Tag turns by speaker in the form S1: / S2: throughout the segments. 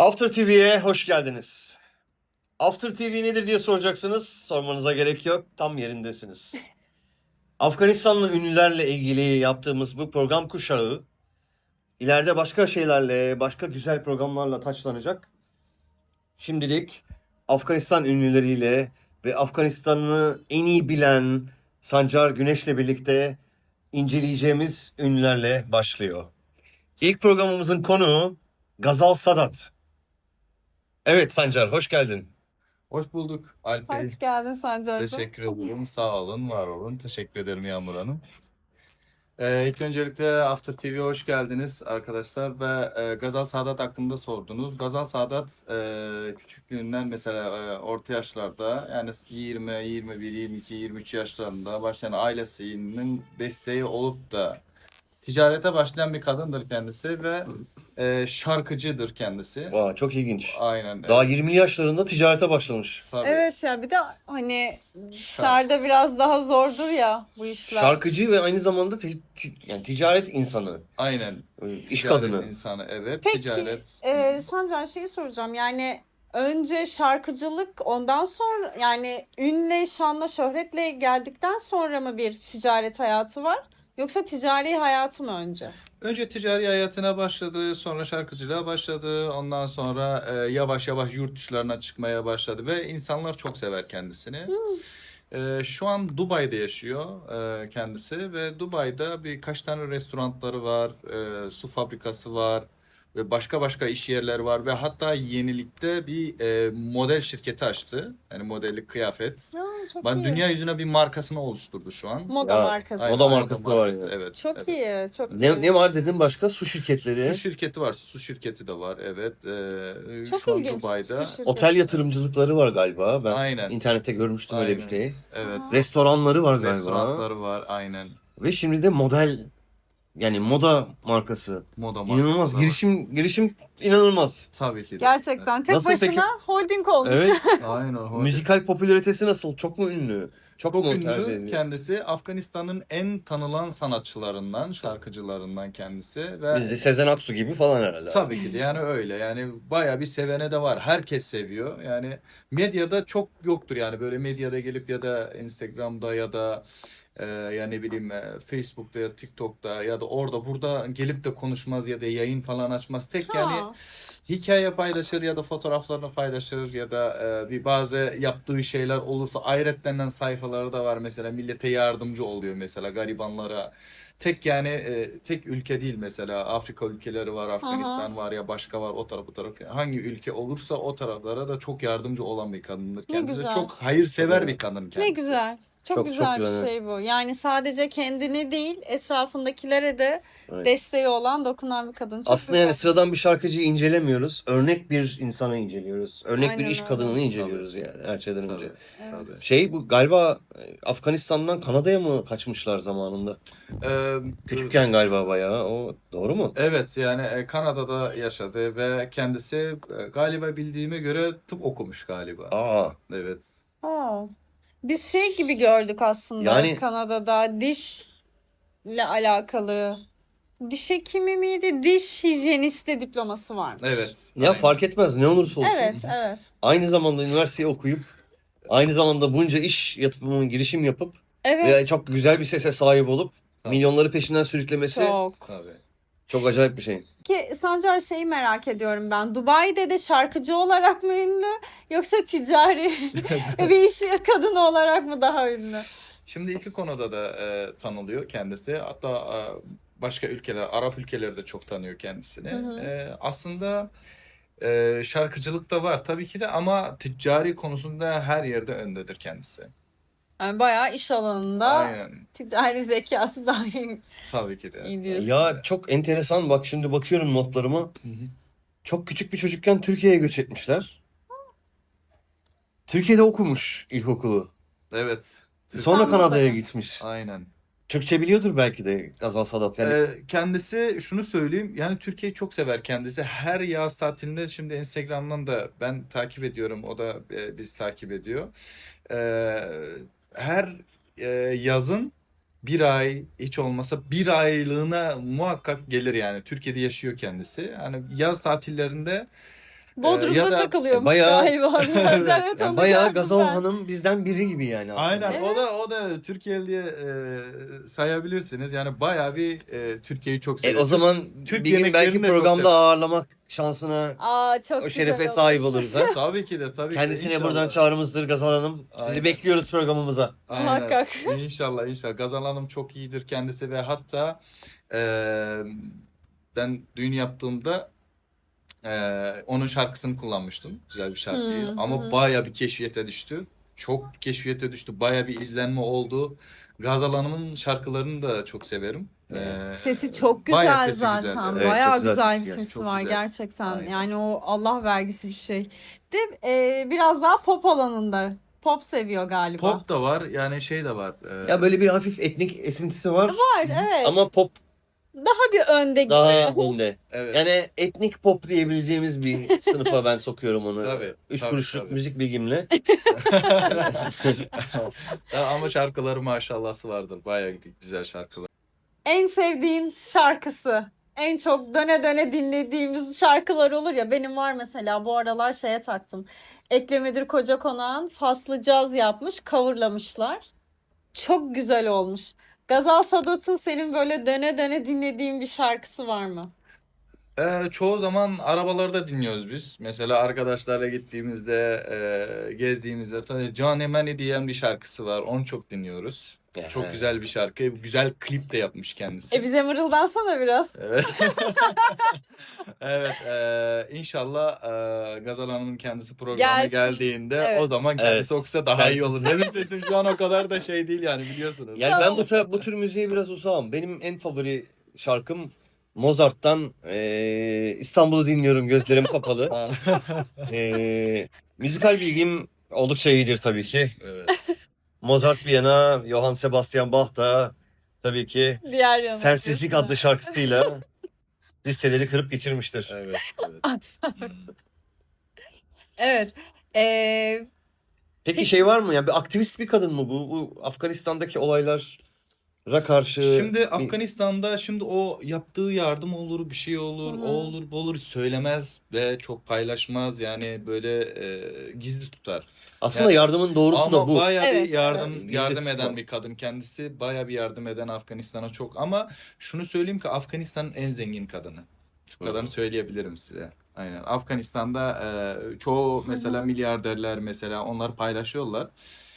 S1: After TV'ye hoş geldiniz. After TV nedir diye soracaksınız. Sormanıza gerek yok. Tam yerindesiniz. Afganistanlı ünlülerle ilgili yaptığımız bu program kuşağı ileride başka şeylerle, başka güzel programlarla taçlanacak. Şimdilik Afganistan ünlüleriyle ve Afganistan'ı en iyi bilen Sancar Güneş'le birlikte inceleyeceğimiz ünlülerle başlıyor. İlk programımızın konuğu Gazal Sadat. Evet Sancar, hoş geldin.
S2: Hoş bulduk Alp Bey.
S3: Hoş geldin Sancar'cığım.
S2: Teşekkür ederim. Sağ olun, var olun. Teşekkür ederim Yağmur Hanım. İlk öncelikle After TV'ye hoş geldiniz arkadaşlar ve Gazal Sadat hakkında sordunuz. Gazal Sadat küçüklüğünden mesela orta yaşlarda yani 20, 21, 22, 23 yaşlarında başlayan ailesinin desteği olup da ticarete başlayan bir kadındır kendisi ve şarkıcıdır kendisi.
S1: Vay, çok ilginç.
S2: Aynen.
S1: Daha 20 yaşlarında ticarete başlamış.
S2: Tabii.
S3: Evet ya bir de hani dışarıda biraz daha zordur ya bu işler.
S1: Şarkıcı ve aynı zamanda yani ticaret insanı,
S2: Aynen.
S1: iş
S2: Ticaret
S1: kadını.
S2: insanı, evet.
S3: Peki
S2: Ticaret.
S3: Sancar şeyi soracağım yani önce şarkıcılık ondan sonra yani ünle, şanla, şöhretle geldikten sonra mı bir ticaret hayatı var? Yoksa ticari hayatı mı önce?
S2: Önce ticari hayatına başladı, sonra şarkıcılığa başladı. Ondan sonra yavaş yavaş yurt dışlarına çıkmaya başladı ve insanlar çok sever kendisini. Şu an Dubai'de yaşıyor kendisi ve Dubai'de birkaç tane restoranları var, su fabrikası var ve başka iş yerleri var ve hatta yenilikte bir model şirketi açtı. Yani modellik kıyafet.
S3: Çok
S2: Ben
S3: iyi.
S2: dünya yüzüne bir markasını oluşturdu şu an.
S3: Moda
S1: Ya,
S3: markası.
S2: Aynen,
S1: Moda markası da var yani.
S2: Evet.
S3: Çok
S2: evet.
S3: iyi, çok
S1: Ne,
S3: iyi.
S1: ne var dedin başka? Su şirketleri,
S2: Su şirketi var. Su şirketi de var. Evet.
S3: Çok
S2: Şu an
S3: ilginç.
S2: Dubai'de.
S3: Su şirketi.
S1: otel yatırımcılıkları var galiba. Ben
S2: Aynen.
S1: internette görmüştüm öyle bir
S2: Aynen.
S1: şey.
S2: Evet.
S1: Restoranları var galiba.
S2: Restoranları var. Aynen.
S1: Ve şimdi de model, yani moda markası.
S2: Moda
S1: İnanılmaz.
S2: markası da var.
S1: Girişim inanılmaz.
S2: Tabii ki de.
S3: Gerçekten tek
S1: Nasıl
S3: başına
S1: peki?
S3: holding olmuş.
S1: Evet.
S2: Aynen.
S1: Müzikal popülaritesi nasıl? Çok mu ünlü? Çok
S2: Çok
S1: mu tercih
S2: ünlü
S1: ediliyor?
S2: kendisi. Afganistan'ın en tanınan sanatçılarından, şarkıcılarından kendisi ve
S1: Bizde Sezen Aksu gibi falan herhalde.
S2: tabii ki de yani öyle. Yani bayağı bir sevene de var. Herkes seviyor. Yani medyada çok yoktur yani böyle medyada gelip ya da Instagram'da ya da ya ne bileyim Facebook'ta ya TikTok'ta ya da orada burada gelip de konuşmaz ya da yayın falan açmaz. Tek yani
S3: Ha.
S2: hikaye paylaşır ya da fotoğraflarını paylaşır ya da bir bazı yaptığı şeyler olursa hayretlenen sayfaları da var mesela millete yardımcı oluyor mesela garibanlara. Tek yani tek ülke değil mesela Afrika ülkeleri var, Afganistan var ya başka var o taraf bu taraf. Hangi ülke olursa o taraflara da çok yardımcı olan bir kadındır
S3: Ne
S2: kendisi.
S3: güzel.
S2: Çok hayırsever
S1: Çok
S2: bir kadın kendisi.
S3: Ne güzel. Çok,
S1: Çok
S3: güzel bir
S1: güzel.
S3: şey bu. Yani sadece kendini değil, etrafındakilere de
S1: Evet.
S3: desteği olan, dokunan bir kadın. Çok
S1: Aslında
S3: güzel.
S1: yani sıradan bir şarkıcıyı incelemiyoruz. Örnek bir insanı inceliyoruz. Örnek bir
S3: Aynen
S1: iş
S3: öyle.
S1: kadınını inceliyoruz yani her şeyden önce.
S2: Tabii, tabii.
S1: Şey bu galiba Afganistan'dan Kanada'ya mı kaçmışlar zamanında?
S2: Ee,
S1: Küçükken galiba bayağı. O doğru mu?
S2: Evet yani Kanada'da yaşadı ve kendisi galiba bildiğime göre tıp okumuş galiba.
S1: Aa,
S2: Evet.
S3: Aa. Biz şey gibi gördük aslında
S1: Yani-
S3: Kanada'da dişle alakalı. Diş hekimi miydi? Diş hijyenisti diploması varmış.
S2: Evet.
S1: ya
S2: aynen.
S1: fark etmez ne olursa olsun.
S3: Evet, evet.
S1: Aynı zamanda üniversiteyi okuyup aynı zamanda bunca iş yapımı girişim yapıp
S3: Evet.
S1: ve çok güzel bir sese sahip olup
S2: Tabii.
S1: milyonları peşinden sürüklemesi çok,
S2: Tabii.
S1: acayip bir şey.
S3: Ki Sancar şeyi merak ediyorum ben. Dubai'de de şarkıcı olarak mı ünlü yoksa ticari bir iş kadını olarak mı daha ünlü?
S2: Şimdi iki konuda da tanılıyor kendisi. Hatta başka ülkeler, Arap ülkeleri de çok tanıyor kendisini.
S3: Hı hı.
S2: Aslında şarkıcılık da var tabii ki de ama ticari konusunda her yerde öndedir kendisi.
S3: Yani bayağı iş alanında
S2: Aynen.
S3: ticari zekası daha iyi
S2: Tabii ki de.
S3: diyorsun.
S1: Ya çok enteresan, bak şimdi bakıyorum notlarıma.
S2: Hı hı.
S1: Çok küçük bir çocukken Türkiye'ye göç etmişler. Türkiye'de okumuş ilkokulu.
S2: Evet.
S1: Sonra
S3: İstanbul'da
S1: Kanada'ya
S3: mı?
S1: gitmiş.
S2: Aynen.
S1: Türkçe biliyordur belki de Gazal Sadat. Yani
S2: Kendisi şunu söyleyeyim yani Türkiye'yi çok sever kendisi. Her yaz tatilinde şimdi Instagram'dan da ben takip ediyorum. O da biz takip ediyor. Her yazın bir ay hiç olmasa bir aylığına muhakkak gelir yani. Türkiye'de yaşıyor kendisi. Yani yaz tatillerinde
S3: Bodrum'da
S2: ya da
S3: takılıyormuş
S1: bayağı-
S3: galiba. Biraz evet
S1: Yani
S3: onu
S1: bayağı
S3: gördüm
S1: Gazal
S3: ben.
S1: Hanım bizden biri gibi yani aslında.
S2: Aynen
S3: Evet.
S2: o da Türkiye'li diye sayabilirsiniz. Yani bayağı bir Türkiye'yi çok seviyor.
S1: O zaman
S2: Türk
S1: bir gün belki
S2: yemeklerini de çok
S1: programda
S2: sev-
S1: ağırlamak şansına,
S3: Aa çok
S1: o
S3: güzel
S1: şerefe
S3: olur.
S1: sahip oluruz ha.
S2: Tabii ki de tabii ki de.
S1: Kendisine
S2: İnşallah.
S1: buradan çağrımızdır Gazal Hanım. Sizi
S2: Aynen.
S1: bekliyoruz programımıza.
S2: Aynen.
S3: Muhakkak.
S2: İnşallah. Gazal Hanım çok iyidir kendisi ve hatta ben düğün yaptığımda onun şarkısını kullanmıştım. Güzel bir şarkıyı. Ama bayağı bir keşfiyete düştü. Çok keşfiyete düştü. Bayağı bir izlenme oldu. Gazal Hanım'ın şarkılarını da çok severim.
S3: Sesi çok
S2: bayağı
S3: güzel
S2: sesi güzel.
S3: zaten.
S1: Evet,
S3: Bayağı
S1: çok güzel
S3: güzel bir
S1: sesi
S3: sesi
S2: çok
S3: var
S2: güzel.
S3: gerçekten.
S2: Aynen.
S3: Yani o Allah vergisi bir şey. De biraz daha pop alanında. Pop seviyor galiba.
S2: Pop da var. Yani şey de var.
S1: Ya böyle bir hafif etnik esintisi var.
S3: Var evet.
S1: Ama pop
S3: daha bir önde gibi.
S1: daha önde.
S2: Evet.
S1: Yani etnik pop diyebileceğimiz bir sınıfa ben sokuyorum onu.
S2: Tabii,
S1: 3
S2: tabii,
S1: kuruşluk
S2: tabii.
S1: müzik bilgimle.
S2: Ama şarkıları maşallahı vardır. Bayağı güzel şarkılar.
S3: En sevdiğin şarkısı. En çok döne döne dinlediğimiz şarkılar olur ya. Benim var mesela bu aralar şeye taktım. Ekrem İdir Kocakonak'ın Faslı Caz yapmış, coverlamışlar. Çok güzel olmuş. Gazal Sadat'ın senin böyle döne döne dinlediğin bir şarkısı var mı?
S2: Çoğu zaman arabalarda dinliyoruz biz. Mesela arkadaşlarla gittiğimizde, gezdiğimizde tabii Can Emani diyen bir şarkısı var. Onu çok dinliyoruz. Çok güzel bir şarkı. Güzel klip de yapmış kendisi.
S3: Bize mırıldansana biraz.
S2: Evet. Evet. İnşallah Gazal Hanım'ın kendisi programa
S3: Gelsin.
S2: geldiğinde
S3: Evet.
S2: o zaman kendisi okusa daha iyi olur.
S1: Kendisi-
S2: Benim sesim şu an o kadar da şey değil yani biliyorsunuz.
S1: Yani ben
S3: Tamam.
S1: bu tür müziğe biraz uzağım. Benim en favori şarkım Mozart'tan İstanbul'u dinliyorum gözlerim kapalı. Müzikal bilgim oldukça iyidir tabii ki.
S2: Evet.
S1: Mozart bir yana, Johann Sebastian Bach da tabii ki
S3: Diğer yana.
S1: Sensizlik
S3: diyorsun.
S1: adlı şarkısıyla listeleri kırıp geçirmiştir.
S2: Evet. Evet.
S3: Evet.
S1: Peki şey var mı? Yani bir aktivist bir kadın mı bu? Bu Afganistan'daki olaylara karşı
S2: Şimdi Afganistan'da şimdi o yaptığı yardım olur, bir şey olur,
S3: Hı hı.
S2: o olur, bu olur söylemez ve çok paylaşmaz yani böyle gizli tutar.
S1: aslında yardımın doğrusu da
S2: Ama
S1: bu.
S2: bayağı
S3: Evet,
S2: bir yardım
S3: evet.
S2: yardım
S1: Gizli
S2: eden
S1: tutma.
S2: bir kadın kendisi. Bayağı bir yardım eden Afganistan'a çok. Ama şunu söyleyeyim ki Afganistan'ın en zengin kadını. Şu kadarını söyleyebilirim size. Aynen. Afganistan'da çoğu mesela milyarderler mesela onlar paylaşıyorlar.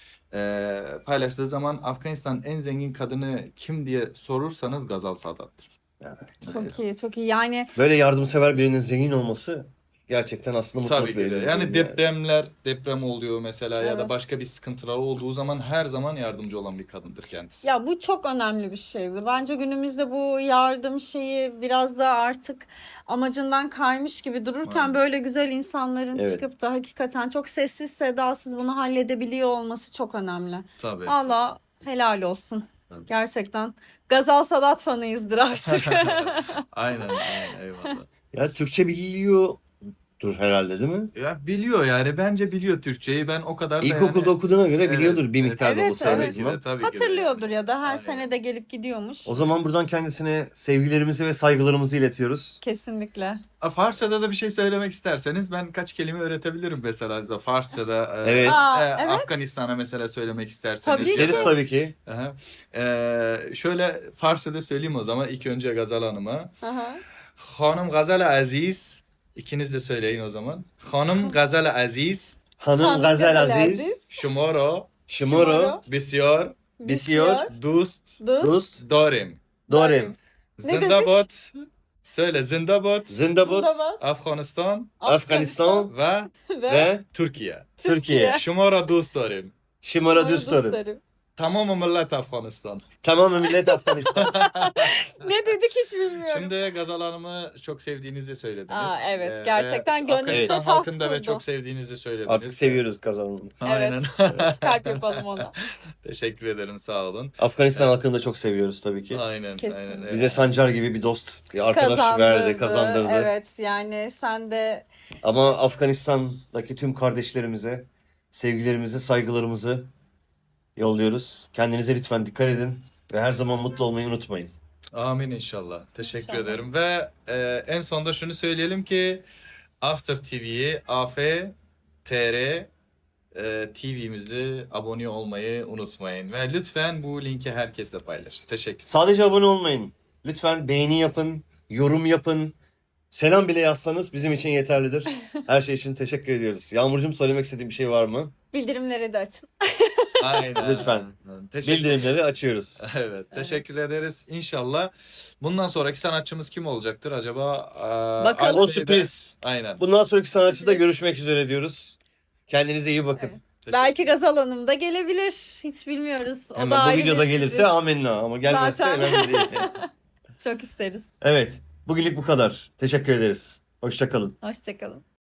S2: Paylaştığı zaman Afganistan'ın en zengin kadını kim diye sorursanız Gazal Sadat'tır.
S3: Çok iyi, çok iyi. Yani
S1: Böyle yardımsever birinin zengin olması gerçekten aslında
S2: Tabii
S1: mutluluk
S2: ki de.
S1: verici.
S2: Yani deprem oluyor mesela ya da
S3: Evet.
S2: başka bir sıkıntılar olduğu zaman her zaman yardımcı olan bir kadındır kendisi.
S3: ya bu çok önemli bir şey. Bence günümüzde bu yardım şeyi biraz da artık amacından kaymış gibi dururken
S2: Aynen.
S3: böyle güzel insanların
S1: Evet.
S3: çıkıp da hakikaten çok sessiz sedasız bunu halledebiliyor olması çok önemli.
S2: Tabii.
S3: Valla helal olsun.
S2: Tabii.
S3: Gerçekten. Gazal Sadat fanıyızdır artık.
S2: Aynen, eyvallah.
S1: Ya Türkçe biliyordur herhalde değil mi?
S2: Ya biliyor yani bence biliyor Türkçeyi. Ben o kadar da
S1: İlkokulda
S2: yani
S1: okuduğuna göre
S2: Evet,
S1: biliyordur bir
S2: evet.
S1: miktar da
S3: Evet,
S1: olsa en
S3: evet.
S1: azından.
S2: Tabii ki de
S3: Hatırlıyordur
S2: yani.
S3: ya da her
S2: Aynen.
S3: sene de gelip gidiyormuş.
S1: O zaman buradan kendisine sevgilerimizi ve saygılarımızı iletiyoruz.
S3: Kesinlikle.
S2: Farsçada da bir şey söylemek isterseniz ben kaç kelime öğretebilirim mesela size Farsçada.
S1: Evet.
S3: Evet.
S2: Afganistan'a mesela söylemek isterseniz.
S3: Tabii ki.
S1: İsteriz tabii ki.
S2: Aha. Şöyle Farsçada söyleyeyim o zaman ilk önce Gazal Hanım'a.
S3: Aha.
S2: Hanım Gazal Aziz. İkiniz de söyleyin o zaman. Hanım Gazal Aziz.
S1: Hanım
S3: Hanım
S1: Gazel
S3: Gazel
S1: Aziz,
S2: Şumara
S1: Şimoro,
S2: Bisyar
S1: Bisiyor,
S2: Dost
S1: Dost,
S2: Darim.
S1: Dorim,
S3: Ne dedik?
S2: Zindabat. Söyle Zindabat.
S1: Zindabad,
S3: Zindabad,
S2: Afganistan
S1: Afganistan
S2: ve
S1: ve
S2: Türkiye.
S1: Türkiye.
S2: Şumara dost darim.
S1: Şimara Düstar'ı.
S3: dostlarım.
S2: Tamam millet Afganistan.
S1: Tamam millet Afganistan.
S3: Ne dedik hiç bilmiyorum.
S2: Şimdi Gazal Hanım'ı çok sevdiğinizi söylediniz.
S3: Aa, evet,
S2: Ve
S3: gerçekten gönlümüzde
S2: Afganistan
S3: taht
S2: halkını da
S3: kurdu.
S2: çok sevdiğinizi söylediniz.
S1: Artık seviyoruz kazanımı.
S2: Aynen.
S3: Kalp yapalım ona.
S2: Teşekkür ederim sağ olun.
S1: Afganistan halkını da çok seviyoruz tabii ki.
S2: Aynen.
S3: Kesin.
S2: Aynen evet.
S1: Bize Sancar gibi bir dost, bir arkadaş verdi, kazandırdı.
S3: Evet yani sen de
S1: Ama Afganistan'daki tüm kardeşlerimize sevgilerimizi, saygılarımızı yolluyoruz. Kendinize lütfen dikkat edin ve her zaman mutlu olmayı unutmayın.
S2: Amin inşallah. Teşekkür
S3: İnşallah.
S2: ederim ve en sonda şunu söyleyelim ki After TV'yi AFTR TV'mizi abone olmayı unutmayın. Ve lütfen bu linki herkesle paylaşın. Teşekkür.
S1: Sadece abone olmayın. Lütfen beğeni yapın, yorum yapın. Selam bile yazsanız bizim için yeterlidir. Her şey için teşekkür ediyoruz. Yağmurcuğum, söylemek istediğin bir şey var mı?
S3: Bildirimleri de açın.
S2: Aynen.
S1: Lütfen.
S2: Teşekkür.
S1: Bildirimleri açıyoruz.
S2: Evet, teşekkür ederiz. İnşallah bundan sonraki sanatçımız kim olacaktır acaba?
S3: Bakalım.
S1: O
S2: Alp Bey'de-
S1: sürpriz.
S2: Aynen.
S1: Bundan sonraki sanatçıda
S3: Sürpriz.
S1: görüşmek üzere diyoruz. Kendinize iyi bakın.
S3: Evet. Belki Gazal Hanım da gelebilir. Hiç bilmiyoruz. O da
S1: Hemen bu
S3: ayrı
S1: videoda
S3: bir
S1: gelirse
S3: sürpriz.
S1: amenna, ama gelmezse
S3: Zaten.
S1: önemli değil.
S3: Çok isteriz.
S1: Evet, bugünlük bu kadar. Teşekkür ederiz. Hoşça kalın.
S3: Hoşçakalın.